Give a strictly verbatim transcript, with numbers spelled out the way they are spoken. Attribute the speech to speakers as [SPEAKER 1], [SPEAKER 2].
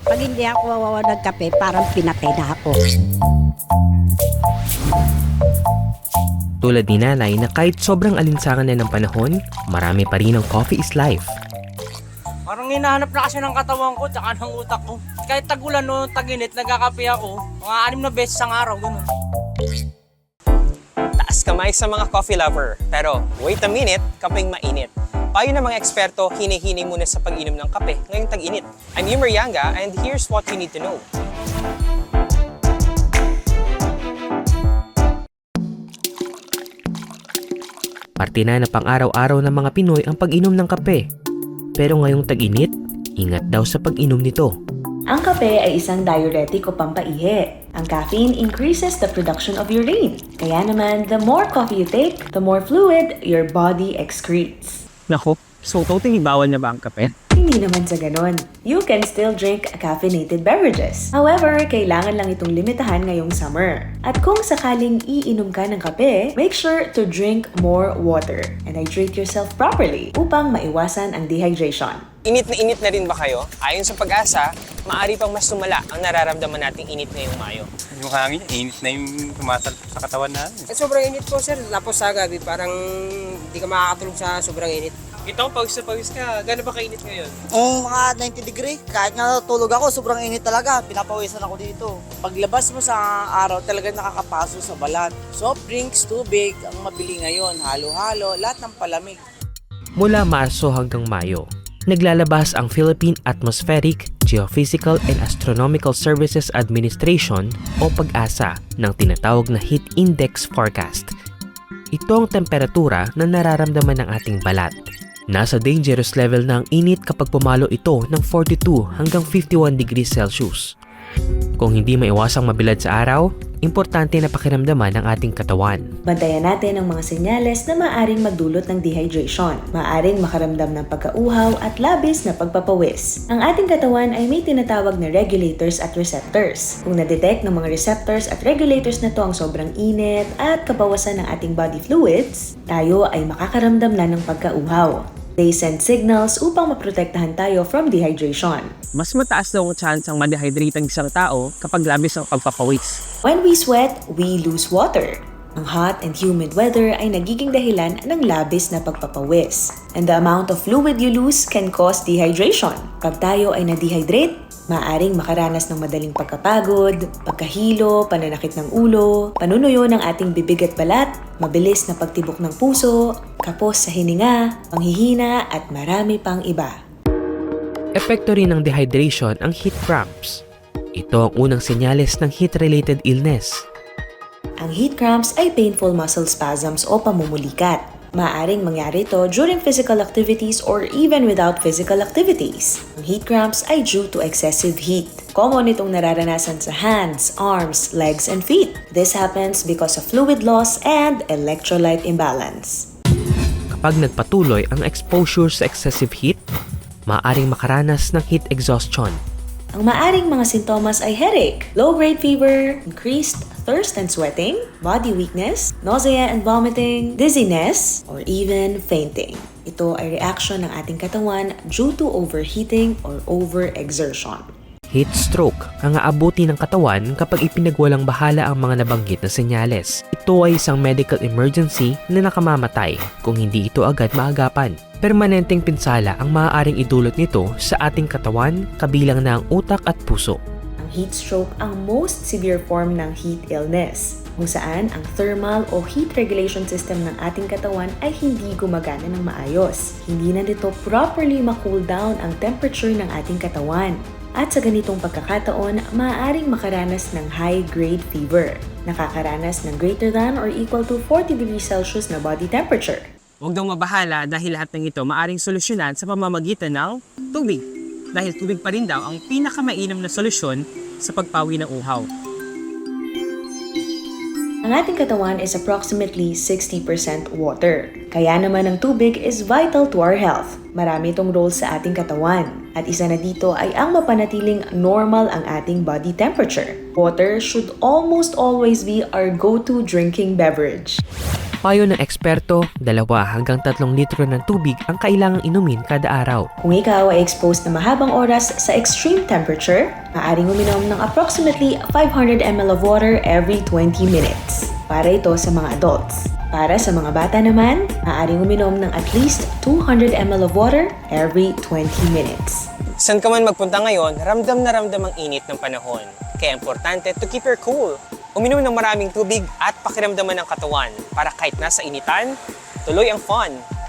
[SPEAKER 1] Pag hindi ako nagkape, parang pinatay na ako.
[SPEAKER 2] Tulad ni nanay na kahit sobrang alinsangan na ng panahon, marami pa rin ang coffee is life.
[SPEAKER 3] Parang hinahanap na kasi ng katawan ko tsaka ng utak ko. Kahit tagulan o taginit, nagkakape ako. Mga anim na beses ang araw, gano'n.
[SPEAKER 4] Taas kamay sa mga coffee lover. Pero wait a minute, kapeng mainit. Payo ng mga eksperto, hinihinay muna sa pag-inom ng kape ngayong tag-init. I'm Yumer Yanga and here's what you need to know.
[SPEAKER 2] Parte na na pang-araw-araw ng mga Pinoy ang pag-inom ng kape. Pero ngayong tag-init, ingat daw sa pag-inom nito.
[SPEAKER 5] Ang kape ay isang diuretic o pampaihi. Ang caffeine increases the production of urine. Kaya naman, the more coffee you take, the more fluid your body excretes.
[SPEAKER 3] Naku, so totally bawal na ba ang kape?
[SPEAKER 5] Hindi naman sa ganon. You can still drink caffeinated beverages. However, kailangan lang itong limitahan ngayong summer. At kung sakaling iinom ka ng kape, make sure to drink more water and hydrate yourself properly upang maiwasan ang dehydration.
[SPEAKER 4] Init na init na rin ba kayo? Ayon sa pag-asa, maaari pang mas sumala ang nararamdaman nating init ngayong Mayo.
[SPEAKER 6] Yung hangin, init na yung tumatalpok sa katawan natin.
[SPEAKER 7] Eh, sobrang init po sir, tapos sa gabi parang hindi ka makakatulog sa sobrang init.
[SPEAKER 4] Ito, pawis na pawis ka. Gano'n ba kainit ngayon?
[SPEAKER 8] Um, mga ninety degree. Kahit nga tulog ako, sobrang init talaga. Pinapawisan ako dito.
[SPEAKER 7] Paglabas mo sa araw, talagang nakakapaso sa balat. Soft drinks, tubig, ang mabili ngayon, halo-halo, lahat ng palamig.
[SPEAKER 2] Mula Marso hanggang Mayo, naglalabas ang Philippine Atmospheric, Geophysical and Astronomical Services Administration o PAGASA ng tinatawag na Heat Index Forecast. Ito ang temperatura na nararamdaman ng ating balat. Nasa dangerous level na ang init kapag pumalo ito ng forty-two hanggang fifty-one degrees Celsius. Kung hindi maiwasang mabilad sa araw, importante na pakiramdaman ang ating katawan.
[SPEAKER 5] Bantayan natin ang mga senyales na maaring magdulot ng dehydration. Maaring makaramdam ng pagkauhaw at labis na pagpapawis. Ang ating katawan ay may tinatawag na regulators at receptors. Kung na-detect ng mga receptors at regulators na to ang sobrang init at kabawasan ng ating body fluids, tayo ay makakaramdam na ng pagkauhaw. They send signals upang maprotektahan tayo from dehydration.
[SPEAKER 3] Mas mataas daw ang chance ang ma-dehydrate ang isang tao kapag labis ang pagpapawis.
[SPEAKER 5] When we sweat, we lose water. Ang hot and humid weather ay nagiging dahilan ng labis na pagpapawis. And the amount of fluid you lose can cause dehydration. Pag tayo ay na-dehydrate, maaaring makaranas ng madaling pagkapagod, pagkahilo, pananakit ng ulo, panunuyo ng ating bibig at balat, mabilis na pagtibok ng puso, kapos sa hininga, panghihina at marami pang iba.
[SPEAKER 2] Epekto rin ng dehydration ang heat cramps. Ito ang unang senyales ng heat-related illness.
[SPEAKER 5] Ang heat cramps ay painful muscle spasms o pamumulikat. Maaring mangyari ito during physical activities or even without physical activities. Ang heat cramps ay due to excessive heat. Common itong nararanasan sa hands, arms, legs, and feet. This happens because of fluid loss and electrolyte imbalance.
[SPEAKER 2] Kapag nagpatuloy ang exposure sa excessive heat, maaaring makaranas ng heat exhaustion.
[SPEAKER 5] Ang maaring mga sintomas ay headache, low-grade fever, increased thirst and sweating, body weakness, nausea and vomiting, dizziness, or even fainting. Ito ay reaction ng ating katawan due to overheating or overexertion.
[SPEAKER 2] Heat stroke ang aabuti ng katawan kapag ipinagwalang bahala ang mga nabanggit na senyales. Ito ay isang medical emergency na nakamamatay kung hindi ito agad maagapan. Permanenteng pinsala ang maaaring idulot nito sa ating katawan, kabilang na ang utak at puso.
[SPEAKER 5] Ang heat stroke ang most severe form ng heat illness, kung saan ang thermal o heat regulation system ng ating katawan ay hindi gumagana ng maayos. Hindi na nito properly ma-cool down ang temperature ng ating katawan. At sa ganitong pagkakataon, maaaring makaranas ng high-grade fever. Nakakaranas ng greater than or equal to forty degrees Celsius na body temperature.
[SPEAKER 3] Huwag daw mabahala dahil lahat ng ito maaring solusyonan sa pamamagitan ng tubig. Dahil tubig pa rin daw ang pinakamainam na solusyon sa pagpawi ng uhaw.
[SPEAKER 5] Ang ating katawan is approximately sixty percent water. Kaya naman ang tubig is vital to our health. Marami itong role sa ating katawan. At isa na dito ay ang mapanatiling normal ang ating body temperature. Water should almost always be our go-to drinking beverage.
[SPEAKER 2] Payo ng eksperto, dalawa hanggang tatlong litro ng tubig ang kailangang inumin kada araw.
[SPEAKER 5] Kung ikaw ay exposed na mahabang oras sa extreme temperature, maaaring uminom ng approximately five hundred milliliters of water every twenty minutes. Para ito sa mga adults. Para sa mga bata naman, maaaring uminom ng at least two hundred milliliters of water every twenty minutes.
[SPEAKER 4] San ka man magpunta ngayon, ramdam na ramdam ang init ng panahon. Kaya importante to keep your cool. Uminom ng maraming tubig at pakiramdaman ng katawan para kahit nasa initan, tuloy ang fun.